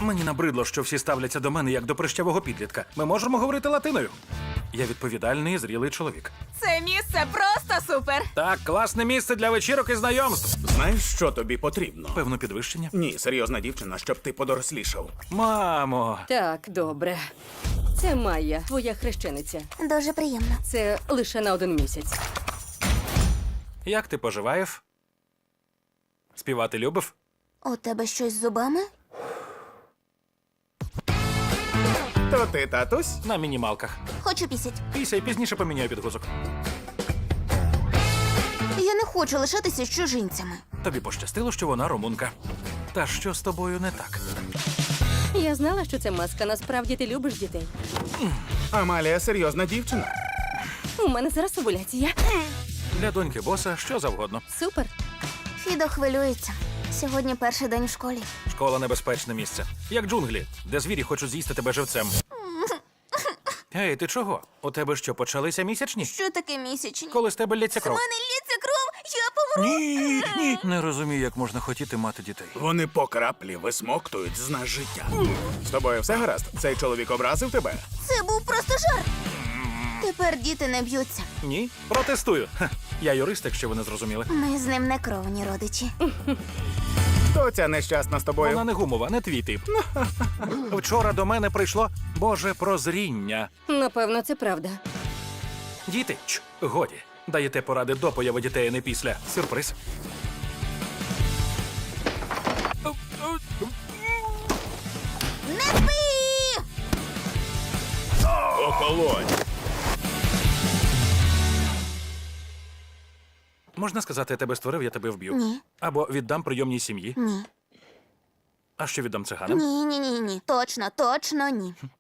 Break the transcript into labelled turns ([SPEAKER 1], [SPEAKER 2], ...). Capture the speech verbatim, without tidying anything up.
[SPEAKER 1] Мені набридло, що всі ставляться до мене як до прищавого підлітка. Ми можемо говорити латиною. Я відповідальний і зрілий чоловік.
[SPEAKER 2] Це місце просто супер!
[SPEAKER 1] Так, класне місце для вечірок і знайомств.
[SPEAKER 3] Знаєш, що тобі потрібно?
[SPEAKER 1] Певно, підвищення.
[SPEAKER 3] Ні, серйозна дівчина, щоб ти подорослішав.
[SPEAKER 1] Мамо,
[SPEAKER 4] Так, добре. Це Майя, твоя хрещениця.
[SPEAKER 5] Дуже приємно.
[SPEAKER 4] Це лише на один місяць.
[SPEAKER 1] як ти поживаєш? Співати любив?
[SPEAKER 5] У тебе щось з зубами?
[SPEAKER 3] То ти, татусь?
[SPEAKER 1] На мінімалках.
[SPEAKER 5] Хочу пісять.
[SPEAKER 1] Після пізніше поміняю підгузок.
[SPEAKER 5] Я не хочу лишатися з чужинцями.
[SPEAKER 1] Тобі пощастило, що вона румунка. Та що з тобою не так?
[SPEAKER 4] Я знала, що це маска. Насправді ти любиш дітей.
[SPEAKER 3] Амалія серйозна дівчина.
[SPEAKER 4] У мене зараз овуляція.
[SPEAKER 1] Для доньки боса що завгодно.
[SPEAKER 4] Супер.
[SPEAKER 5] Фідо хвилюється. Сьогодні перший день в школі.
[SPEAKER 1] Школа — небезпечне місце. Як джунглі, де звірі хочуть з'їсти тебе живцем. Ей, ти чого? У тебе що, почалися місячні?
[SPEAKER 5] Що таке місячні?
[SPEAKER 1] Коли з тебе лється
[SPEAKER 5] У
[SPEAKER 1] кров?
[SPEAKER 5] мене лється кров, я помру.
[SPEAKER 1] Ні, ні. Не розумію, як можна хотіти мати дітей.
[SPEAKER 3] Вони по краплі висмоктують з нас життя. З тобою все гаразд? Цей чоловік образив тебе?
[SPEAKER 5] Це був просто жарт. Тепер діти не б'ються.
[SPEAKER 1] Ні? Протестую. Ха, я юрист, якщо ви не зрозуміли.
[SPEAKER 5] Ми з ним не кровні родичі.
[SPEAKER 3] Хто ця нещасна з тобою?
[SPEAKER 1] Вона не гумова, не твій тип. Вчора до мене прийшло Боже прозріння.
[SPEAKER 4] Напевно, це правда.
[SPEAKER 1] Діти, ч, годі. Даєте поради до появи дітей, а не після. Сюрприз.
[SPEAKER 5] Не спи!
[SPEAKER 3] Охолонь!
[SPEAKER 1] Можна сказати, я тебе створив, я тебе вб'ю.
[SPEAKER 5] Ні.
[SPEAKER 1] Або віддам прийомній сім'ї.
[SPEAKER 5] Ні.
[SPEAKER 1] А що віддам циганам?
[SPEAKER 5] Ні, ні, ні, ні. Точно, точно ні.